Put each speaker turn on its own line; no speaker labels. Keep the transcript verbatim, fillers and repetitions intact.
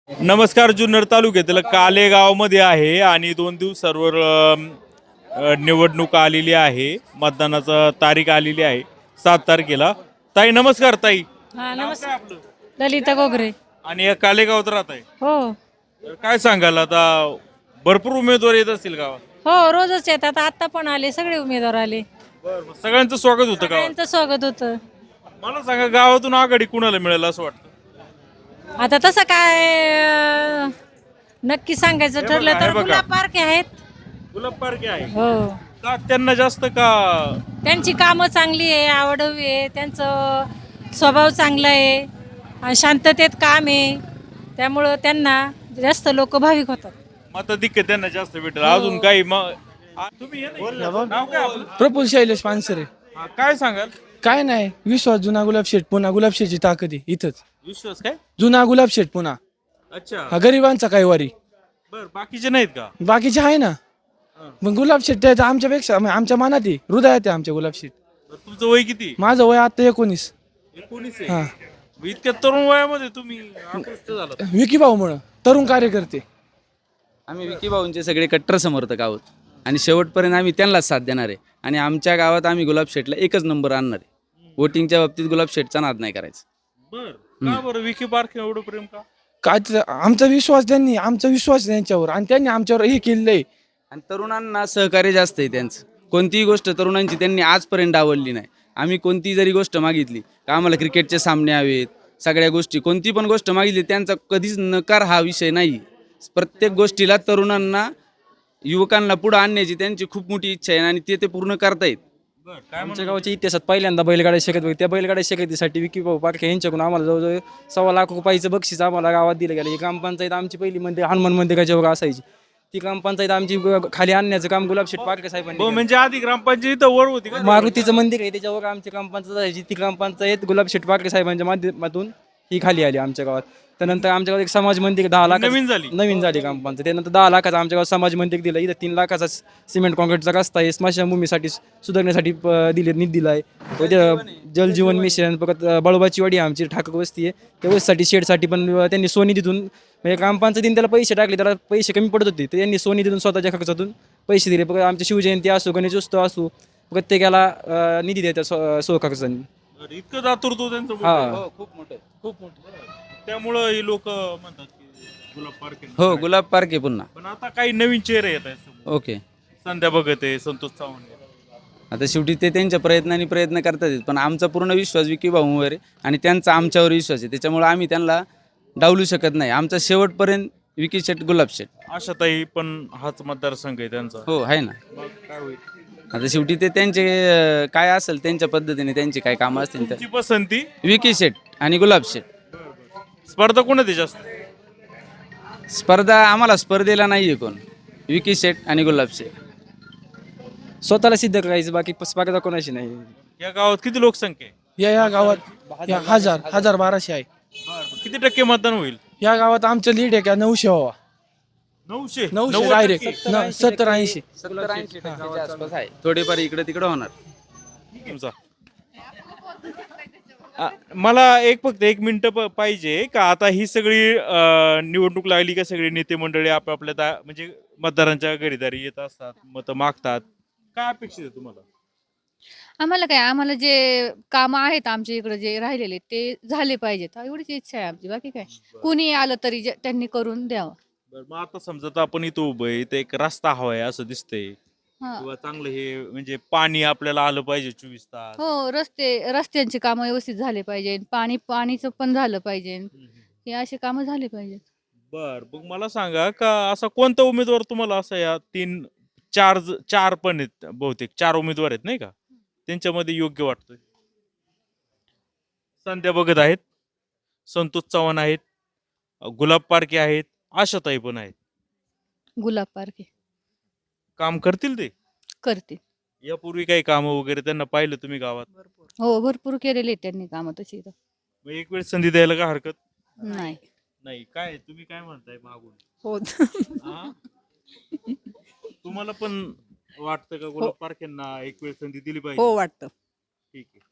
नमस्कार. जुन्नर तालुक्यातील कालेगावमध्ये आहे आणि दोन दिवसांवर अम, अ, निवडणूक आलेली आहे. मतदानाचा तारीख आलेली आहे सात तारखेला. ताई नमस्कार. ताई
हा
नाव
नमस्कार.
काय आपलं?
ललिता गोगरे.
आणि या कालेगावात राहत आहे.
हो
तर काय सांगाल आता, भरपूर उमेदवार येत असतील गावात.
हो रोजच येतात. आता पण आले सगळे उमेदवार आले.
बरं, सगळ्यांचं स्वागत होतं गावात.
त्यांचं स्वागत होतं.
मला सांगा, गावातून आघाडी कुणाला मिळेल असं वाटतं?
आता तसं काय अं, नक्की सांगायचं
हे
ठरलं
बघा,
तर
हे बघा.
गुलाब पार्के आहेत.
गुलाब पारखे आहे
हो
का? त्यांना जास्त का?
त्यांची कामं चांगली आहे, आवडवी आहे, त्यांचं स्वभाव चांगला आहे आणि शांततेत काम आहे, त्यामुळं त्यांना जास्त लोक भाविक होतात.
मताधिक्य त्यांना जास्त भेटेल. अजून काही मग आ- तुम्ही हे नाही. नाव काय आपलं?
प्रफुल शैलेश पानसरे.
हा, काय सांगाल?
काय नाही, विश्वास जुना गुलाब शेठ पुन्हा गुलाब शेठची ताकद आहे इथंच.
विश्वास काय?
जुना गुलाब शेठ पुन्हा
अच्छा.
हा गरिबांचा काही वारी.
बर, बाकीचे नाहीत का?
बाकीचे आहे ना, मग गुलाब शेठ त्याचं आमच्यापेक्षा म्हणजे आमच्या मनात आहे, हृदयात आहे आमच्या गुलाब शेठ.
बरं, तुमचं वय किती?
माझं वय आता एकोणीस.
एकोणीस
हा.
आहे. इतक्या तरुण वयामध्ये तुम्ही आकृष्ट झालात.
विकी भाऊ म्हणून तरुण कार्यकर्ते.
आम्ही विकी भाऊंचे सगळे कट्टर समर्थक आहोत आणि शेवटपर्यंत आम्ही त्यांनाच साथ देणार आहे. आणि आमच्या गावात आम्ही गुलाब शेठला एकच नंबर आणणार आहे. वोटिंगच्या बाबतीत गुलाब शेठचा नाद नाही करायचा.
बर, का बरं विकी पार्क एवढं प्रेम का?
काय ते- आमचा विश्वास त्यांनी आमचा विश्वास आहे त्यांच्यावर आणि त्यांनी आमच्यावर हे केलेलं आहे.
आणि तरुणांना सहकार्य जास्त आहे त्यांचं. कोणतीही गोष्ट तरुणांची त्यांनी आजपर्यंत आवडली नाही. आम्ही कोणती जरी गोष्ट मागितली का आम्हाला क्रिकेटचे सामने हवेत, सगळ्या गोष्टी कोणती पण गोष्ट मागितली त्यांचा कधीच नकार हा विषय नाही. प्रत्येक गोष्टीला तरुणांना युवकांना पुढे आणण्याची त्यांची खूप मोठी इच्छा आहे आणि ते ते पूर्ण करतायत.
बर, काय
आमच्या गावाच्या इतिहासात पहिल्यांदा बैलगाड्या शर्यत बघ त्या बैलगाड्या शर्यतीसाठी विकी भाऊ पारखे यांच्याकडून आम्हाला जवळजवळ सव्वा लाख रुपयाचं बक्षीस आम्हाला गावात दिलं गेलं. ही ग्रामपंचायत आमची पहिली मंदिर हनुमान मंदिराच्या वर असायची. ती ग्रामपंचायत आमची ग- खाली आणण्याचं काम गुलाब शेठ पारखे साहेबांनी
हो,
केलं.
म्हणजे आधी ग्रामपंचायत वर होती का?
मारुतीचं मंदिर आहे त्याच्यावर आमची ग्रामपंचायत असायची. ती ग्रामपंचायत गुलाब शेठ पारखे साहेबांच्या माध्यमातून ही खाली आली आमच्या गावात. त्यानंतर आमच्या गावात एक समाज मंदिर दहा लाख
नवीन झाली.
नवीन झाली ग्रामपंचायत. त्यानंतर दहा लाखाचा आमच्या गावात समाज मंदिर दिलं. इथं तीन लाखाचा सिमेंट कॉन्क्रीटचा रस्ता आहे. स्मशानभूमीसाठी सुधारण्यासाठी प- दिले निधी दिलाय. जलजीवन मिशन परत अं, बळोबाची वाडी आहे आमची ठाकर वस्ती आहे. त्या वस्तीसाठी शेडसाठी पण अं, त्यांनी सोनी तिथून म्हणजे ग्रामपंचायतीने त्याला पैसे टाकले, त्याला पैसे कमी पडत होते तर त्यांनी सोनी तिथून स्वतःच्या खर्चातून पैसे दिले. परत आमची शिवजयंती असो, गणेशोत्सव असो, प्रत्येकाला अं, निधी देतात स्व स्वखर्चाने.
बरं, इतकं दातृत्व त्यांचं मोठं
हा.
आहे.
हो, खूप मोठं.
खूप मोठं. त्यामुळं ही लोक म्हणतात की गुलाब पार्क आहे.
हो, गुलाब पारखे पुन्हा.
पण आता काही नवीन चेहरे येत आहेत समोर.
ओके.
संध्या भगत आहे, संतोष चव्हाण आहे.
आता शेवटी ते त्यांच्या प्रयत्नांनी प्रयत्न करतात आहेत. पण आमचा पूर्ण विश्वास विकी भाऊंवर आहे आणि त्यांचा आमच्यावर विश्वास आहे. त्याच्यामुळे आम्ही त्यांना डावलू शकत नाही. आमचा शेवटपर्यंत विकी शेठ गुलाब शेठ.
आशाताई पण हाच मतदारसंघ आहे त्यांचा.
हो आहे ना.
मग काय होईल?
आता शेवटी ते त्यांचे अं, काय असेल त्यांच्या पद्धतीने त्यांची काय कामं असतील
तुमची पसंती?
तर विकी शेठ आणि गुलाब शेठ.
स्पर्धा कोणाची जास्त?
स्पर्धा आम्हाला स्पर्धेला नाहीये कोण. विकी शेठ आणि गुलाब शेठ.
स्वतःला सिद्ध करायचं, बाकी स्पर्धा कोणाशी नाही.
या गावात किती लोकसंख्या आहे?
या या गावात या हजार हजार बाराशे आहे.
किती टक्के मतदान होईल?
या गावात आमचं लीड आहे का नऊशे व्हावा.
नऊशे
नऊशे
नव्वद
डायरेक्ट
टक्के?
सत्तर ऐंशी.
सत्तर ऐंशी टक्क्याच्या आसपास आहे. थोडेफार इकडे तिकडे होणार.
तुमचा आ, मला एक फक्त एक मिनिट पाहिजे का आता ही सगळी अ, निवडणूक लागली का सगळी नेते मंडळी आपापल्या दा- म्हणजे मतदारांच्या घरीदारी येत असतात, मतं मागतात. काय अपेक्षित आहे तुम्हाला?
आम्हाला काय आम्हाला जे कामं आहेत आमच्या इकडे जे राहिलेले ते झाले पाहिजेत एवढीच इच्छा आहे आमची. बाकी काय कुणी आलं तरी जे- त्यांनी करून द्यावं.
बरं, मग आता समजा आता आपण इथं उभं आहे, इथं एक रस्ता हवाय असं दिसतंय
हा.
किंवा चांगलं हे म्हणजे पाणी आपल्याला आलं पाहिजे चोवीस तास.
हो, रस्ते रस्त्यांची कामं व्यवस्थित झाले पाहिजे. पाणी पाणीचं पण झालं पाहिजे. हे असे कामं झाले पाहिजेत.
बर, मग मला सांगा का असा कोणता उमेदवार तुम्हाला असा या तीन चार ज- चार पण आहेत, बहुतेक चार उमेदवार आहेत नाही का, त्यांच्यामध्ये योग्य वाटतोय? संध्या भगत आहेत, संतोष चव्हाण आहेत, गुलाब पारखे आहेत, आशाताई पण आहेत.
गुलाब पारखे
काम करतील ते?
करते.
यापूर्वी काही कामं वगैरे त्यांना पाहिलं तुम्ही गावात?
हो, भरपूर केलेले आहेत त्यांनी कामं तशी इथं.
मग एक वेळ संधी द्यायला का हरकत
नाही.
नाही? काय तुम्ही काय म्हणताय मागून?
हो
हा? तुम्हाला पण वाटतं का गुलाब पारखेंना एक वेळ संधी दिली पाहिजे?
हो वाटतं.
ठीक आहे.